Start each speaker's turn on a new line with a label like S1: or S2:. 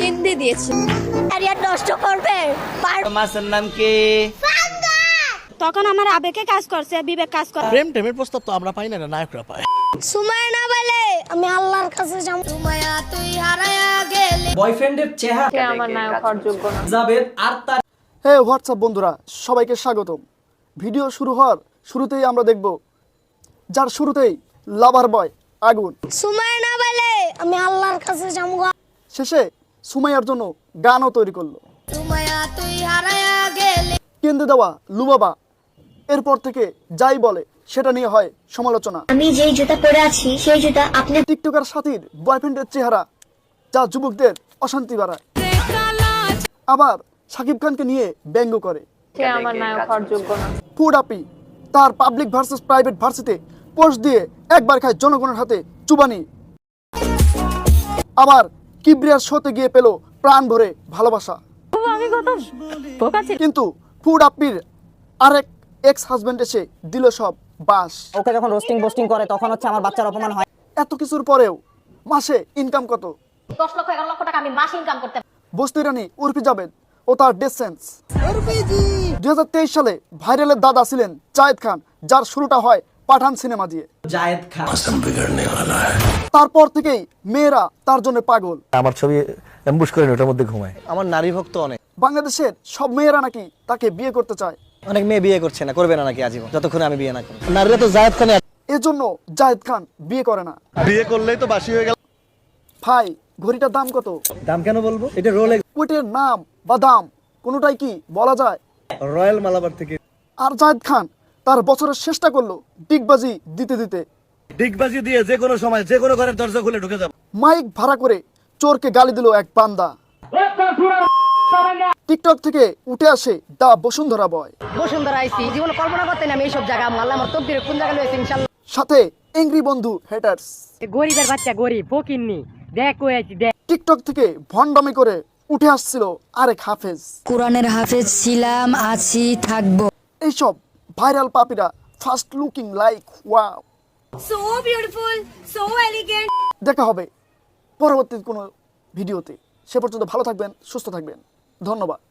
S1: কেঁদে দিয়েছে। ক্যারিয়ার নষ্ট করবে।
S2: মাসের নাম কি?
S1: তখন আমার আবেগে কাজ করছে, বিবেক কাজ করে।
S3: প্রেম টেমের প্রস্তাব তো আমরা পাই না, নায়করা পায়।
S1: সুমাইয়া না বলে আমি আল্লাহর কাছে যাব। সুমাইয়া তুই হারায়া গেলে।
S2: বয়ফ্রেন্ডের চেহারা
S4: আমার নায়ক হওয়ার যোগ্য না।
S2: জাবেদ আর তার
S5: হে হোয়াটসঅ্যাপ বন্ধুরা, সবাইকে স্বাগতম। ভিডিও শুরু হওয়ার শুরুতেই আমরা দেখব যার শুরুতেই লাভার বয় আগুন,
S1: সুমাইয়া না বলে আমি আল্লাহর কাছে যাব।
S5: শেষে সুমাইয়ার জন্য গানও তৈরি করলো।
S1: সুমাইয়া তুই হারায়া গেলে।
S5: কেন্দ্রে দেওয়া লুবাবা এরপর থেকে যাই বলে সেটা নিয়ে হয় সমালোচনা।
S6: আমি যেই জুতা পরে আছি সেই জুতা আপনি
S5: টিকটকার সাথীর বয়ফ্রেন্ডের চেহারা যা যুবকদের অশান্তি বাড়ায়, আবার শাকিব খানকে নিয়ে ব্যঙ্গ করে।
S4: সে আমার নায়ক হওয়ার যোগ্য না।
S5: ফুড আপি তার পাবলিক ভার্সেস প্রাইভেট ভার্সিতে পোস্ট দিয়ে একবার খায় জনগণের হাতে চুবানি, আবার কিবরিয়ার শোতে গিয়ে পেল প্রাণ ভরে ভালোবাসা। কিন্তু ফুড আপির আরেক এক্স হাজবেন্ড এসে দিল সব বাস।
S7: ওকে যখন রোস্টিং পোস্টিং করে তখন হচ্ছে আমার বাচ্চার অপমান হয়।
S5: এত কিছুর পরেও মাসে ইনকাম কত?
S6: 10 লক্ষ 11 লক্ষ টাকা আমি মাসে ইনকাম করতে।
S5: বস্তি রানী উর্ফি জাবেদ ও তার ডেসেন্স 2023 সালে ভাইরালের দাদা ছিলেন জায়েদ খান, যার শুরুটা হয় পাঠান সিনেমা দিয়ে।
S2: জায়েদ খান
S5: তারপর থেকেই মেয়েরা তার জন্য পাগল।
S3: আমার ছবি এমবুশ করে ওটার মধ্যে ঘুমায়। আমার নারী ভক্ত অনেক।
S5: বাংলাদেশের সব মেয়েরা নাকি তাকে বিয়ে করতে চায়।
S7: অনেক মেয়ে বিয়ে করছে না, করবে না নাকি আজীবন, যতক্ষণ আমি বিয়ে না করি।
S3: নারীরা তো জায়েদ খানে
S5: এজন্য জায়েদ খান বিয়ে করে না।
S3: বিয়ে করলেই তো বাসি হয়ে গেল।
S5: ভাই ঘড়িটার দাম কত?
S3: দাম কেন বলবো? এটা রোলেক্স
S5: ওইটার নাম বা দাম কোনোটাই কি বলা যায়?
S3: রয়্যাল মালাবার থেকে।
S5: আর জায়েদ খান তার বছরের চেষ্টা করলো ডিগবাজি দিতে দিতে।
S3: ডিগবাজি দিয়ে যে কোনো সময় যে কোনো ঘরের দরজা খুলে ঢুকে যাবে।
S5: মাইক ভাড়া করে চোরকে গালি দিল এক বান্দা। টিকটক থেকে উঠে আসে দা বসুন্ধরা বয়,
S7: বসুন্ধরা আইছি, জীবনে কল্পনা করতে না আমি এইসব জায়গা। আল্লাহ আমার তকদিরে কোন জায়গায় লইছে ইনশাআল্লাহ।
S5: সাথে এংরি বন্ধু হেটার্স।
S8: গরিবের বাচ্চা গরিব ফকিন্নি দেখ কই আইছি দেখ।
S5: টিকটক থেকে ভণ্ডামি করে উঠে আসছিল আরেক হাফেজ।
S9: কোরআনের হাফেজ ছিলাম, আছি, থাকবো।
S5: এইসব ভাইরাল পাপিরা first looking like wow,
S1: so beautiful, so elegant.
S5: দেখা হবে পরবর্তী কোনো ভিডিওতে। সে পর্যন্ত ভালো থাকবেন, সুস্থ থাকবেন। ধন্যবাদ।